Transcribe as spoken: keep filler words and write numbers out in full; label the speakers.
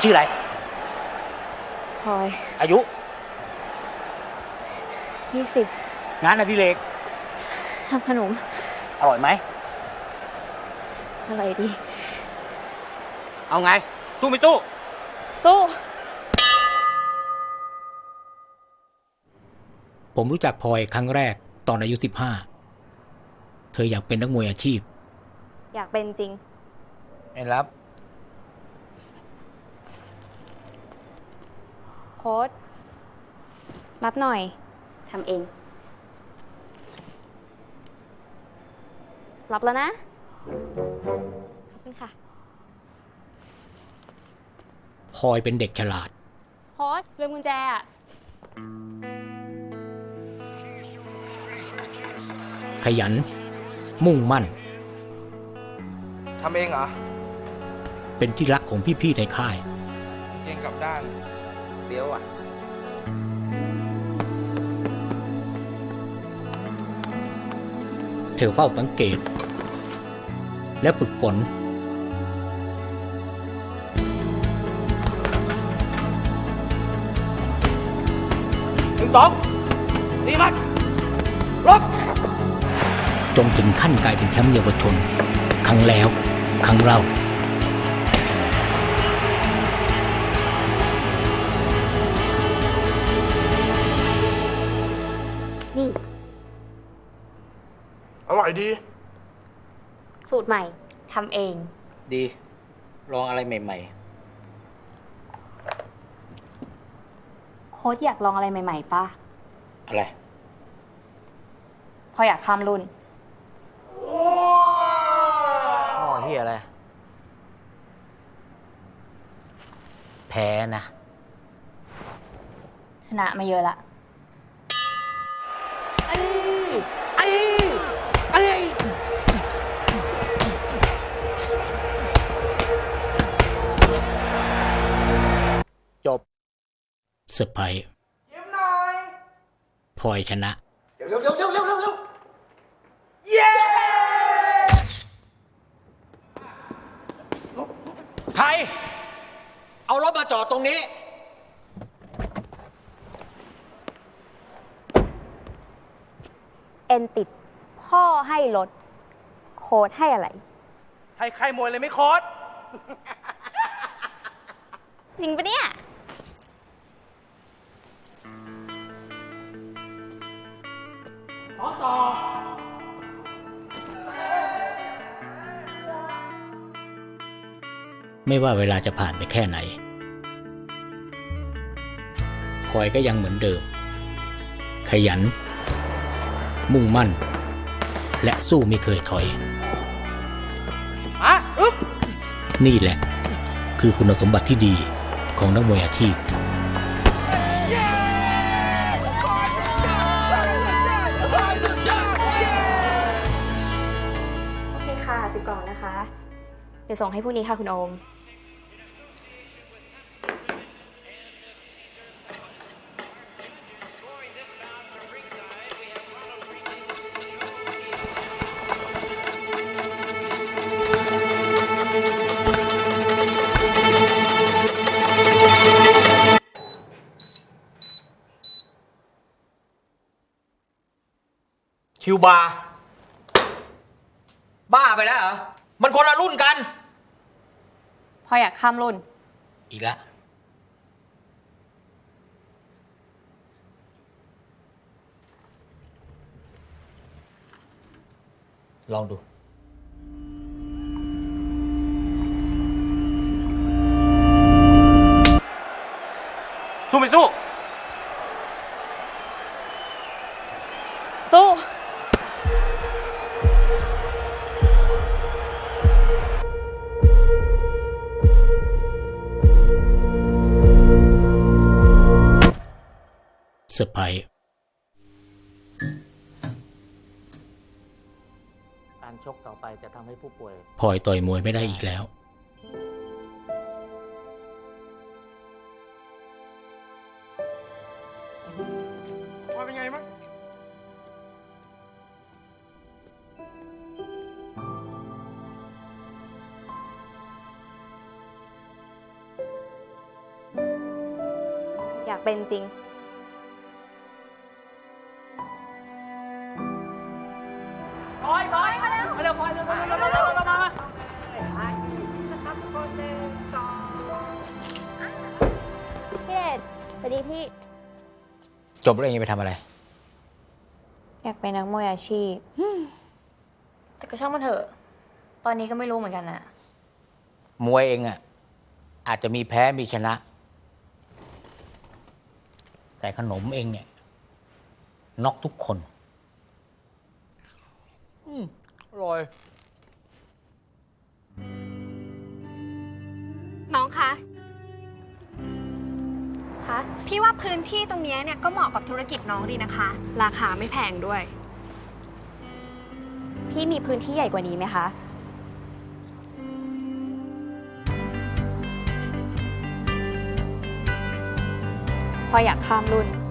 Speaker 1: ชื่ออะไร
Speaker 2: พลอย
Speaker 1: อายุ
Speaker 2: ยี่สิบ
Speaker 1: งานอดิเรก
Speaker 2: ทำขนม
Speaker 1: อร่อยไหม
Speaker 2: อร่อยดี
Speaker 1: เอาไงสู้ไม่สู้
Speaker 2: สู้
Speaker 3: ผมรู้จักพลอยครั้งแรกตอนอายุสิบห้าเธออยากเป็นนักมวยอาชีพ
Speaker 2: อยากเป็นจริง
Speaker 1: ไม่รับ
Speaker 2: โค้ชรับหน่อยทำเองรับแล้วนะขอบคุณค่ะ
Speaker 3: พลอยเป็นเด็กฉลาด
Speaker 2: โค้ชลืมกุญแจอะ
Speaker 3: ขยันมุ่งมั่น
Speaker 4: ทำเองเหรอ
Speaker 3: เป็นที่รักของพี่ๆในค่าย
Speaker 4: เก่งกลับด้านเดี๋ยวอ่ะ
Speaker 3: เธอเฝ้าสังเกตและฝึกฝน
Speaker 1: หนึ่งสองนี่มันลบ
Speaker 3: จนถึงขั้นกลายเป็นแชมป์เยาวชนครั้งแล้วครั้งเล่า
Speaker 2: นี่
Speaker 4: อร่อยดี
Speaker 2: สูตรใหม่ทำเอง
Speaker 1: ดีลองอะไรใหม่
Speaker 2: ๆโค้ชอยากลองอะไรใหม่ๆป่ะ
Speaker 1: อะไร
Speaker 2: พออยากข้ามรุ่น
Speaker 1: พ่อเฮียอะไรแพ้นะ
Speaker 2: ชนะมาเยอะละ
Speaker 1: ไอ้ไอ้ไอ้จบ
Speaker 3: เซอร์ไพรส์
Speaker 4: ยิ้มหน่อย
Speaker 3: พลอยชนะ
Speaker 4: เร็วเร็วเร็วเร็วเร็วเร็วเย้
Speaker 1: ใครเอารถมาจอดตรงนี้
Speaker 2: เอ็นติดพ่อให้รถโค้ดให้อะไร
Speaker 4: ให้ใครมวยเลยไม่โค้ด
Speaker 2: จริงปะเนี่ย
Speaker 4: ต่อต่อ
Speaker 3: ไม่ว่าเวลาจะผ่านไปแค่ไหนพลอยก็ยังเหมือนเดิมขยันมุ่งมั่นและสู้ไม่เคยถอย
Speaker 1: อะอึ๊บ
Speaker 3: นี่แหละคือคุณสมบัติที่ดีของนักมวยอาชีพ
Speaker 2: โอเคค่ะสิบกล่องนะคะเดี๋ยวส่งให้พรุ่งนี้ค่ะคุณโอม
Speaker 1: คิวบาร์บ้าไปแล้วเหรอมันคนละรุ่นกัน
Speaker 2: พออยากข้ามรุ่น
Speaker 1: อีกแล้วลองดูสู้ไม่สู้
Speaker 2: สู้
Speaker 3: เซอร์ไพรส์
Speaker 1: การชกต่อไปจะทำให้ผู้ป่วย
Speaker 3: พลอยต่อยมวยไม่ได้อีกแล้ว
Speaker 4: พลอยเป็นไงมั้ง
Speaker 2: เป็นจริง
Speaker 1: ปล่อยปล่อยมาเร็วมาเร็วปล่อยเร็วมาเร็วมาเร็วมามา
Speaker 2: พี่เดชสวัสดีพี่
Speaker 3: จบแล้วเองจะไปทำอะไร
Speaker 2: อยากเป็นนักมวยอาชีพ
Speaker 5: แต่ก็ช่างมันเถอะ ตอนนี้ก็ไม่รู้เหมือนกันนะ
Speaker 3: มวยเองอ่ะ อาจจะมีแพ้มีชนะ แต่ขนมเองเนี่ยน็อกทุกคน อืมอร่อย
Speaker 6: น้องคะ
Speaker 5: คะ
Speaker 6: พี่ว่าพื้นที่ตรงเนี้ยเนี่ยก็เหมาะกับธุรกิจน้องดีนะคะ ราคาไม่แพงด้วย
Speaker 2: พี่มีพื้นที่ใหญ่กว่านี้ไหมคะ พออยากข้ามรุ่น